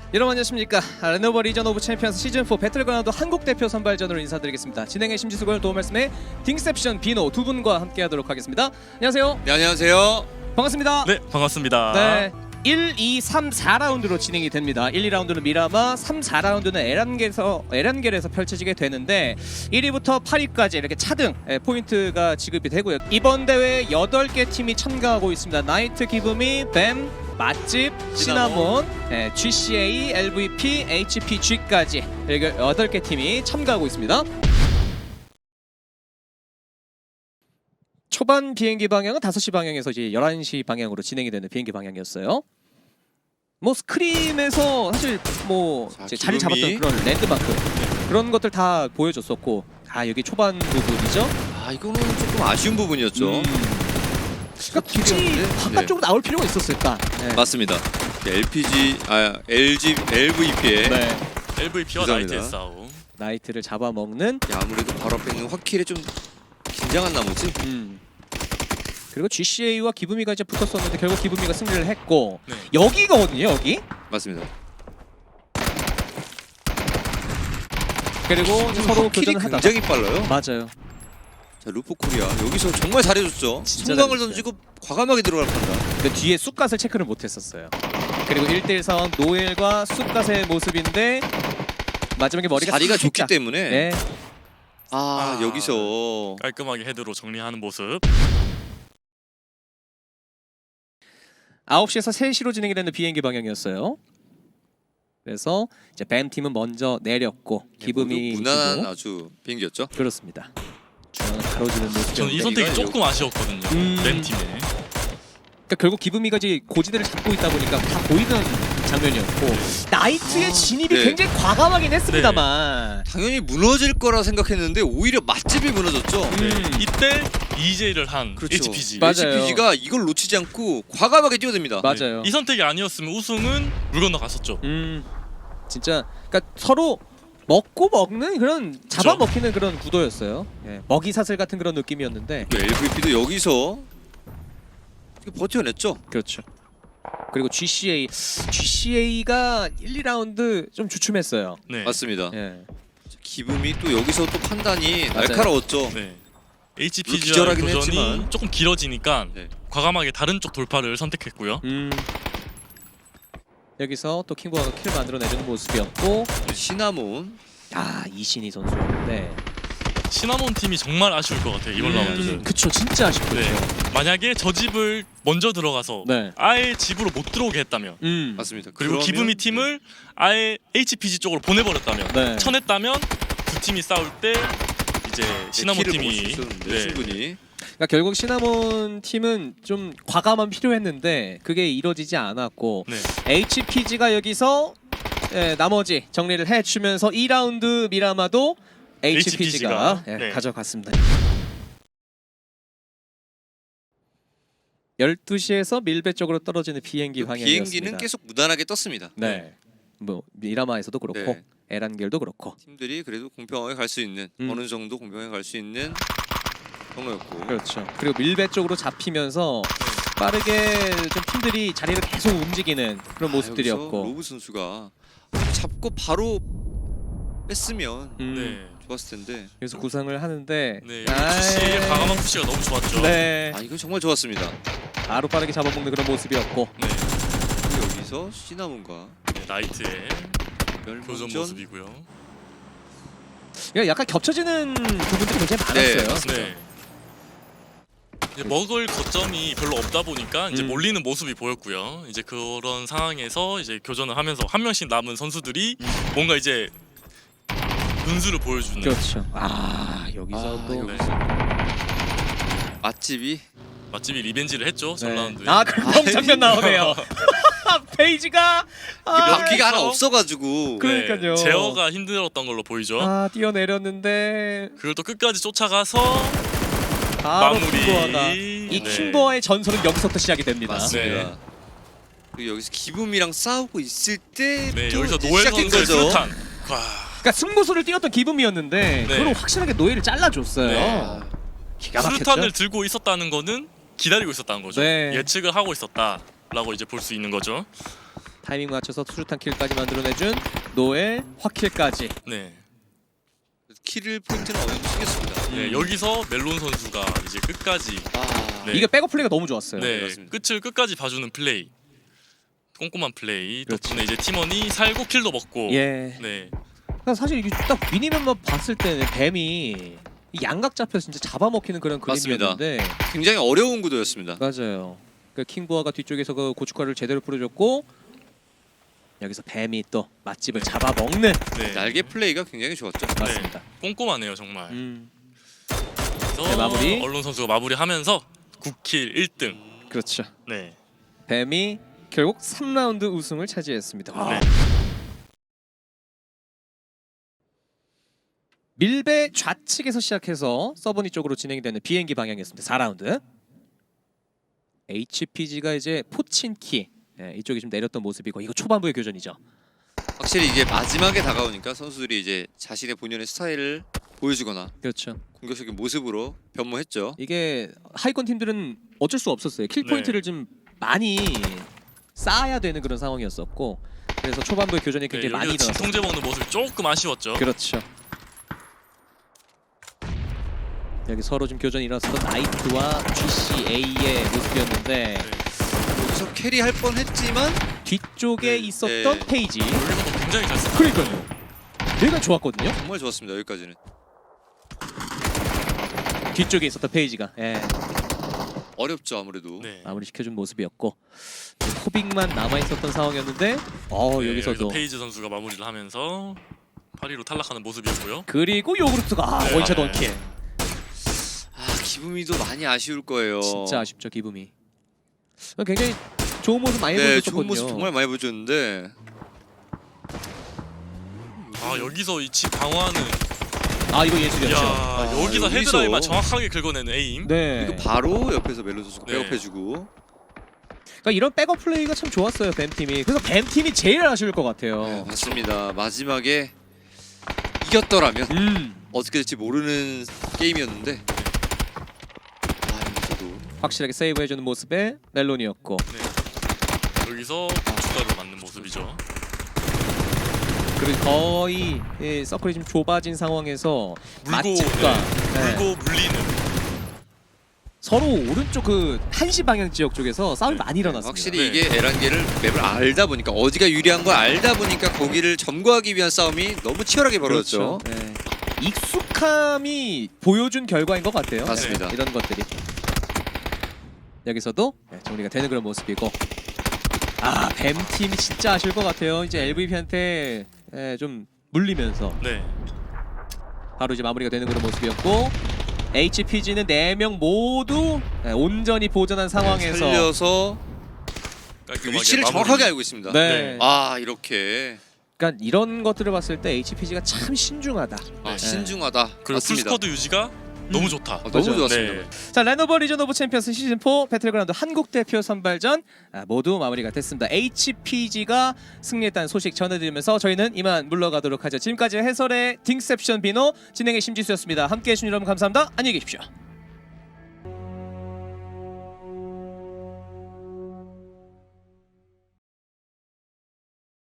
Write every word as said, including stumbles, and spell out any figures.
여러분 안녕하십니까. 레노버 리전 오브 챔피언스 시즌사 배틀그라운드 한국 대표 선발전으로 인사드리겠습니다. 진행의 심지수고요. 도움 말씀에 딩셉션 비노 두 분과 함께 하도록 하겠습니다. 안녕하세요. 네, 안녕하세요. 반갑습니다. 네, 반갑습니다. 네. 일, 이, 삼, 사 라운드로 진행이 됩니다. 일, 이 라운드는 미라마, 삼, 사 라운드는 에란겔에서 에란겔에서 펼쳐지게 되는데 일 위부터 팔 위까지 이렇게 차등 예, 포인트가 지급이 되고요. 이번 대회에 여덟 개 팀이 참가하고 있습니다. 나이트 기브미, 뱀, 맛집, 시나몬, 예, 지씨에이, 엘브이피, 에이치피지까지 이렇게 여덟 개 팀이 참가하고 있습니다. 초반 비행기 방향은 다섯 시 방향에서 이제 열한 시 방향으로 진행이 되는 비행기 방향이었어요. 뭐 스크림에서 사실 뭐 자, 이제 자리 기분이. 잡았던 그런 랜드마크 그런 것들 다 보여줬었고, 아 여기 초반 부분이죠. 아, 이거는 조금 아쉬운 부분이었죠. 음. 그러니까 굳이 네. 바깥쪽으로 나올 필요가 있었을까? 네. 맞습니다. 엘피지, 아 엘지, 엘브이피의 네. 엘브이피와 감사합니다. 나이트의 싸움. 나이트를 잡아먹는. 아무래도 바로 앞에 있는 화킬에 좀 긴장한 나머지. 음. 그리고 지씨에이와 기브미가 이제 붙었었는데 결국 기브미가 승리를 했고, 네. 여기거든요 여기. 맞습니다. 그리고 이제 서로 화킬이 교전을 하다가. 굉장히 빨라요. 맞아요. 자, 루프 코리아 여기서 정말 잘해줬죠. 진짜 성광을 잘해줬어요. 던지고 과감하게 들어갈 판다. 그 뒤에 쑥갓을 체크를 못했었어요. 그리고 일 대일 상황 노엘과 쑥갓의 모습인데 마지막에 머리가 자리가 살짝- 좋기 때문에. 네. 아, 아. 여기서 깔끔하게 헤드로 정리하는 모습. 아홉 시에서 세 시로 진행이 되는 비행기 방향이었어요. 그래서 이제 뱀 팀은 먼저 내렸고 기브미 모두 무난한 주고. 아주 비행기였죠. 그렇습니다. 중앙을 가로지는 모습. 저는 이 선택이 조금 아쉬웠거든요. 음. 램 팀에. 그러니까 결국 기브미가 이제 고지대를 잡고 있다 보니까 다 보이던 장면이었고, 나이트의 아, 진입이 네. 굉장히 과감하긴 했습니다만. 당연히 무너질 거라 생각했는데 오히려 맛집이 무너졌죠. 음. 이때 이제이를 한 그렇죠. 에이치피지. 맞아요. 에이치피지가 이걸 놓치지 않고 과감하게 뛰어듭니다. 맞아요. 이 선택이 아니었으면 우승은 물 건너 갔었죠. 음, 진짜 그러니까 서로 먹고 먹는 그런 잡아먹히는 그런 구도였어요. 예, 먹이사슬 같은 그런 느낌이었는데. 엘브이피도 여기서 버텨냈죠. 그렇죠. 그리고 지씨에이, 지씨에이가 일, 이 라운드 좀 주춤했어요. 네. 맞습니다. 예. 기분이 또 여기서 또 판단이 맞아요. 날카로웠죠. 네. 물론 에이치피지와 기절하긴 교전이 했지만. 조금 길어지니까 네. 과감하게 다른 쪽 돌파를 선택했고요. 음. 여기서 또 킹보아가 킬 만들어내주는 모습이었고, 시나몬 아 이신희 선수였는데. 시나몬 팀이 정말 아쉬울 것 같아요. 이번 음, 라운드는. 그쵸, 진짜 아쉽죠. 네. 만약에 저 집을 먼저 들어가서 네. 아예 집으로 못 들어오게 했다면, 음. 맞습니다. 그리고 그러면- 기브미 팀을 아예 에이치피지 쪽으로 보내버렸다면, 네. 쳐냈다면 두 팀이 싸울 때 이제 네, 시나몬 키를 먹을 수 팀이 있었는데, 네. 충분히 그러니까 결국 시나몬 팀은 좀 과감함 필요했는데 그게 이루어지지 않았고, 네. 에이치피지가 여기서 예, 나머지 정리를 해주면서 이 라운드 미라마도 에이치피지가 에이치피지가, 예, 네. 가져갔습니다. 열두 시에서 밀배 쪽으로 떨어지는 비행기 그 방향이었습니다. 비행기는 계속 무난하게 떴습니다. 네. 뭐 미라마에서도 그렇고 네. 에란겔도 그렇고. 팀들이 그래도 공평하게 갈 수 있는 음. 어느 정도 공평하게 갈 수 있는 경우였고. 그렇죠. 그리고 밀배 쪽으로 잡히면서 빠르게 좀 팀들이 자리를 계속 움직이는 그런 아, 모습들이었고. 여기서 로브 선수가 잡고 바로 뺐으면 음, 네. 좋았을 텐데. 그래서 구상을 하는데. 네. 아이, 지씨의 과감한 푸시가 너무 좋았죠. 네. 아, 이거 정말 좋았습니다. 바로 빠르게 잡아먹는 그런 모습이었고. 네. 그리고 여기서 시나몬과 네, 나이트의 교전 멸망전. 모습이고요. 그러니까 약간 겹쳐지는 부분들이 굉장히 네, 많았어요. 맞습니다. 네. 이제 먹을 거점이 별로 없다 보니까 이제 음. 몰리는 모습이 보였고요. 이제 그런 상황에서 이제 교전을 하면서 한 명씩 남은 선수들이 뭔가 이제 분수를 보여주는. 그렇죠. 아 여기서 아, 또. 이거 네. 맛집이 맛집이 리벤지를 했죠. 전 라운드에. 아 그런 장면 나오네요. 페이지가 아, 바퀴가 하나 그래서- 없어가지고. 그- 그러니까요. 네, 제어가 힘들었던 걸로 보이죠. 아 뛰어내렸는데 그걸 또 끝까지 쫓아가서 바로 마무리. 킹보아가 이 네. 킹보아의 전설은 여기서부터 시작이 됩니다. 맞습니다. 네. 그리고 여기서 기분이랑 싸우고 있을 때 네, 또 여기서 이제 노엘 시작된 선수의 거죠. 수류탄. 와. 그러니까 승부수를 띄웠던 기분이었는데 네. 그걸 확실하게 노예를 잘라줬어요. 네. 기가 막혔죠. 수류탄을 들고 있었다는 거는 기다리고 있었다는 거죠. 네. 예측을 하고 있었다라고 이제 볼 수 있는 거죠. 타이밍 맞춰서 수류탄 킬까지 만들어내준 노엘 확킬까지. 네. 킬을 포인트는 어느 정도 챙겼습니다. 네, 여기서 멜론 선수가 이제 끝까지 아, 네. 이게 백업 플레이가 너무 좋았어요. 네, 맞습니다. 끝을 끝까지 봐주는 플레이, 꼼꼼한 플레이 그렇죠. 덕분에 이제 팀원이 살고 킬도 먹고. 예. 네, 그러니까 사실 이게 딱 미니맵만 봤을 때는 뱀이 이 양각 잡혀서 진짜 잡아먹히는 그런 맞습니다. 그림이었는데 굉장히 어려운 구도였습니다. 맞아요. 그 킹부아가 뒤쪽에서 그 고춧가루를 제대로 뿌려줬고 여기서 뱀이 또 맛집을 잡아먹는. 네, 날개 플레이가 굉장히 좋았죠. 맞습니다. 꼼꼼하네요 정말. 음, 그래서 네, 마무리. 언론 선수가 마무리하면서 구 킬 일 등. 그렇죠. 네, 뱀이 결국 삼 라운드 우승을 차지했습니다. 와. 네. 밀배 좌측에서 시작해서 서버니 쪽으로 진행이 되는 비행기 방향이었습니다. 사 라운드. 에이치피지가 이제 포친키 예, 이쪽에 좀 내렸던 모습이고 이거 초반부의 교전이죠. 확실히 이게 마지막에 다가오니까 선수들이 이제 자신의 본연의 스타일을 보여주거나 그렇죠. 공격적인 모습으로 변모했죠. 이게 하이컨 팀들은 어쩔 수 없었어요. 킬 네. 포인트를 좀 많이 쌓아야 되는 그런 상황이었었고 그래서 초반부의 교전이 굉장히 네, 많이 여기서 일어났어요. 진통제 먹는 모습이 조금 아쉬웠죠. 그렇죠. 여기 서로 좀 교전이 일어났었던 나이트와 지씨에이의 모습이었는데 네. 여기서 캐리할 뻔했지만 뒤쪽에 네, 있었던 네. 페이지. 여기서도 굉장히 잘 썼어요. 그러니까요. 얘가 좋았거든요. 정말 좋았습니다. 여기까지는. 뒤쪽에 있었던 페이지가 예, 어렵죠 아무래도. 네. 마무리 시켜준 모습이었고 코빅만 남아 있었던 상황이었는데 어 네, 여기서도 여기서 페이지 선수가 마무리를 하면서 팔 위로 탈락하는 모습이었고요. 그리고 요구르트가 아, 네. 원샷 아, 원킬. 아 기분이도 많이 아쉬울 거예요. 진짜 아쉽죠 기분이. 굉장히 좋은 모습 많이 네, 보여줬거든요. 좋은 모습 정말 많이 보여줬는데 아 여기서 이 집 방어하는. 아 이거 야 예술이었죠. 아, 여기서 여기서. 헤드라인만 정확하게 긁어내는 에임. 네. 그리고 바로 옆에서 멜론 선수가 네. 백업해주고. 그러니까 이런 백업 플레이가 참 좋았어요 뱀 팀이. 그래서 뱀 팀이 제일 아쉬울 것 같아요. 네, 맞습니다. 마지막에 이겼더라면 음 어떻게 될지 모르는 게임이었는데. 아 여기서도 확실하게 세이브해주는 모습의 멜론이었고 네. 여기서 고춧가루 맞는 모습이죠. 그리고 거의 예, 서클이 좀 좁아진 상황에서 물고 맛집과 네. 네. 물고 물리는. 서로 오른쪽 그 한시 방향 지역 쪽에서 싸움이 네. 많이 일어났습니다. 확실히 네. 이게 에란게를 맵을 알다 보니까 어디가 유리한 걸 알다 보니까 거기를 점거하기 위한 싸움이 너무 치열하게 벌어졌죠. 그렇죠. 네. 익숙함이 보여준 결과인 것 같아요. 맞습니다. 네, 이런 것들이 여기서도 네, 정리가 되는 그런 모습이고 아 뱀 팀이 진짜 아쉬울 것 같아요. 이제 엘브이피한테 예, 좀 물리면서 네. 바로 이제 마무리가 되는 그런 모습이었고 에이치피지는 네 명 모두 예, 온전히 보전한 상황에서 살려서 그 깔끔하게 위치를 마무리. 정확하게 알고 있습니다. 네. 아 이렇게 그러니까 이런 것들을 봤을 때 에이치피지가 참 신중하다. 아, 네. 신중하다. 그리고 맞습니다. 풀스쿼드 유지가 너무 좋다. 아, 너무 그렇죠. 좋았습니다. 네. 자 레노버 리전 오브 챔피언스 시즌 사 배틀그라운드 한국 대표 선발전 아, 모두 마무리가 됐습니다. 에이치피지가 승리했다는 소식 전해드리면서 저희는 이만 물러가도록 하죠. 지금까지 해설의 딩셉션 비노 진행의 심지수였습니다. 함께해 주신 여러분 감사합니다. 안녕히 계십시오.